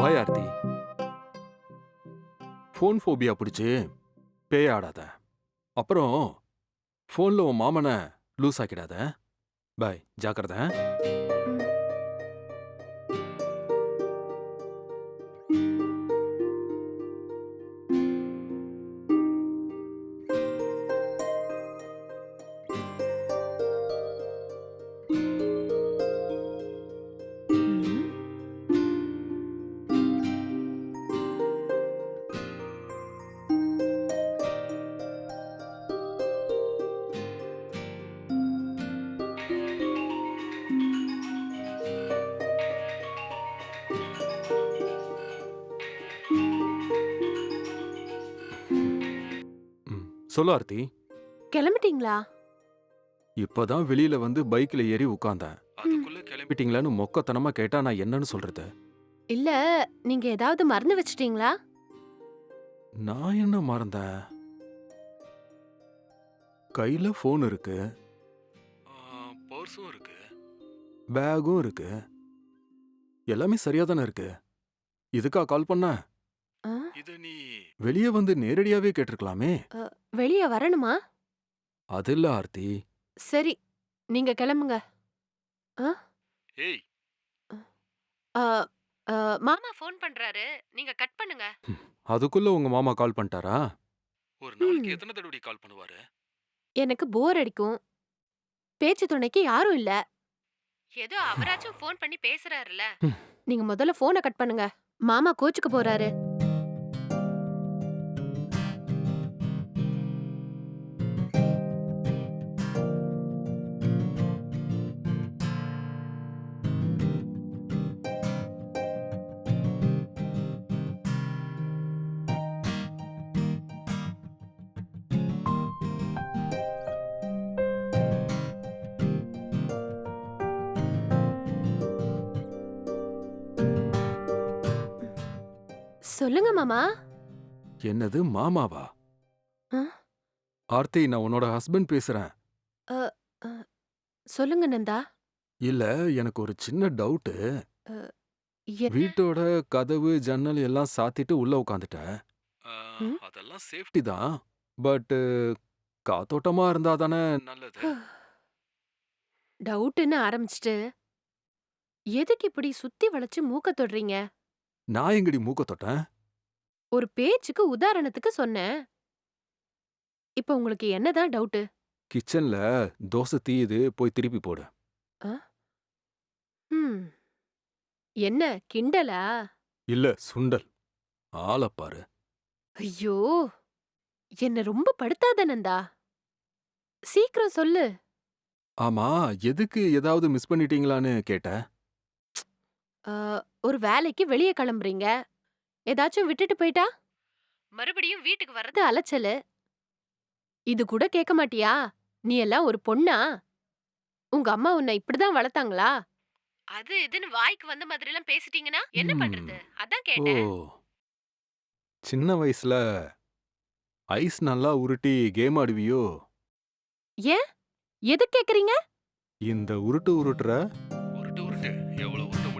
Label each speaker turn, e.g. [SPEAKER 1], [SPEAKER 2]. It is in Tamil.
[SPEAKER 1] பாய் ஆர்த்தி. ஃபோன் ஃபோபியா பிடிச்சு பேய் ஆடாத. அப்புறம் ஃபோன்ல உன் மாமனை லூஸ் ஆக்கிடாத. பாய், ஜாக்கிரதை.
[SPEAKER 2] ம். ம்.
[SPEAKER 1] ம். சொல்லு ஆர்த்தி.
[SPEAKER 2] கிளம்பிட்டீங்களா?
[SPEAKER 1] இப்பதான் வெளியில வந்து பைக்ல ஏறி உட்கார்ந்தேன். அதுக்குள்ள கிளம்பிட்டீங்களான்னு மொக்கத்தனமா கேட்டா நான் என்னன்னு சொல்றது?
[SPEAKER 2] இல்ல, நீங்க ஏதாவது மறந்து வச்சிட்டீங்களா?
[SPEAKER 1] நான் என்ன மறந்தேன்? கையில ஃபோன் இருக்கு, பர்ஸும் இருக்கு, பேகும் இருக்கு. எல்லாமே சரியா தானே இருக்கு. இதுக்கா கால் பண்ண?
[SPEAKER 2] ஆ?
[SPEAKER 1] இத நீ வெளிய வந்து நேரடியாவே கேட்டிருக்கலாமே.
[SPEAKER 2] வெளிய வரணுமா?
[SPEAKER 1] அது இல்ல ஆர்த்தி.
[SPEAKER 2] சரி, நீங்க கிளம்புங்க. ஆ?
[SPEAKER 1] ஏய்,
[SPEAKER 2] ஆ, ஆ, மாமா ஃபோன் பண்றாரு. நீங்க கட் பண்ணுங்க.
[SPEAKER 1] அதுக்குள்ள உங்க மாமா கால் பண்ணிட்டாரா? ஒரு நாளைக்கு
[SPEAKER 2] ம்.
[SPEAKER 1] எத்தனை தடவை கால் பண்ணுவாரு?
[SPEAKER 2] எனக்கு போர் அடிக்கும். பேச்சு துணைக்கு யாரும் இல்ல. ஏதோ அவராச்சும் ஃபோன் பண்ணி பேசுறாருல.
[SPEAKER 1] ம்.
[SPEAKER 2] நீங்க முதல்ல ஃபோனை கட் பண்ணுங்க. மாமா கோச்சுக்க போறாரு. சொல்லுங்க மாமா.
[SPEAKER 1] என்னது மாமாவா?
[SPEAKER 2] ஆ?
[SPEAKER 1] ஆர்த்தி, நான் உன்னோட ஹஸ்பண்ட் பேசுறேன்.
[SPEAKER 2] அ, அ, சொல்லுங்க நந்தா.
[SPEAKER 1] இல்ல, எனக்கு ஒரு சின்ன டவுட்டு.
[SPEAKER 2] அ, என்ன?
[SPEAKER 1] வீட்டோட கதவு, ஜன்னல் எல்லாம் சாத்திட்டு உள்ள உட்காந்துட்டேன்.
[SPEAKER 2] ம்?
[SPEAKER 1] அதெல்லாம் சேஃப்டி தான். பட் காத்தோட்டமா இருந்தா தானே நல்லது.
[SPEAKER 2] டவுட்ன்னு ஆரம்பிச்சுட்டு எதுக்கு இப்படி சுத்தி வளைச்சு மூக்க தொடுறீங்க?
[SPEAKER 1] நான் எங்கடி மூக்க தொட்டேன்?
[SPEAKER 2] ஒரு பேச்சுக்கு உதாரணத்துக்கு சொன்னேன். இப்ப உங்களுக்கு என்னதான் டவுட்டு?
[SPEAKER 1] கிச்சன்ல தோசை தீயுது, போய் திருப்பி போடு.
[SPEAKER 2] ஆ? ம். என்ன கிண்டலா?
[SPEAKER 1] இல்ல, சுண்டல். ஆளப் பாரு.
[SPEAKER 2] ஐயோ! என்ன ரொம்ப படுத்தாத நந்தா. சீக்கிரம் சொல்லு.
[SPEAKER 1] ஆமா, எதுக்கு ஏதாவது மிஸ் பண்ணிட்டீங்களான்னு கேட்ட?
[SPEAKER 2] ஆ, ஒரு வேலைக்கு வெளிய கிளம்புறீங்க. ஏதாச்சும் விட்டுட்டு போயிட்டா? மறுபடியும் வீட்டுக்கு வர்றது அலைச்சலு. இது கூட கேட்க மாட்டியா? நீ எல்லாம் ஒரு பொண்ணா? உங்க அம்மா உன்னை இப்படிதான் வளர்த்தாங்களா? அது இதுன்னு வாய்க்கு வந்த மாதிரிலாம் பேசிட்டீங்கன்னா என்ன
[SPEAKER 1] ம்.
[SPEAKER 2] பண்றது? அதான்
[SPEAKER 1] ஓ!
[SPEAKER 2] கேட்டேன்.
[SPEAKER 1] சின்ன வயசுல ஐஸ் நல்லா உருட்டி கேம் ஆடுவியோ?
[SPEAKER 2] ஏன்? எதுக்கு கேக்குறீங்க?
[SPEAKER 1] இந்த உருட்டு உருட்டுற? உருட்டு உருட்டு. எவ்வளவு உருட்ட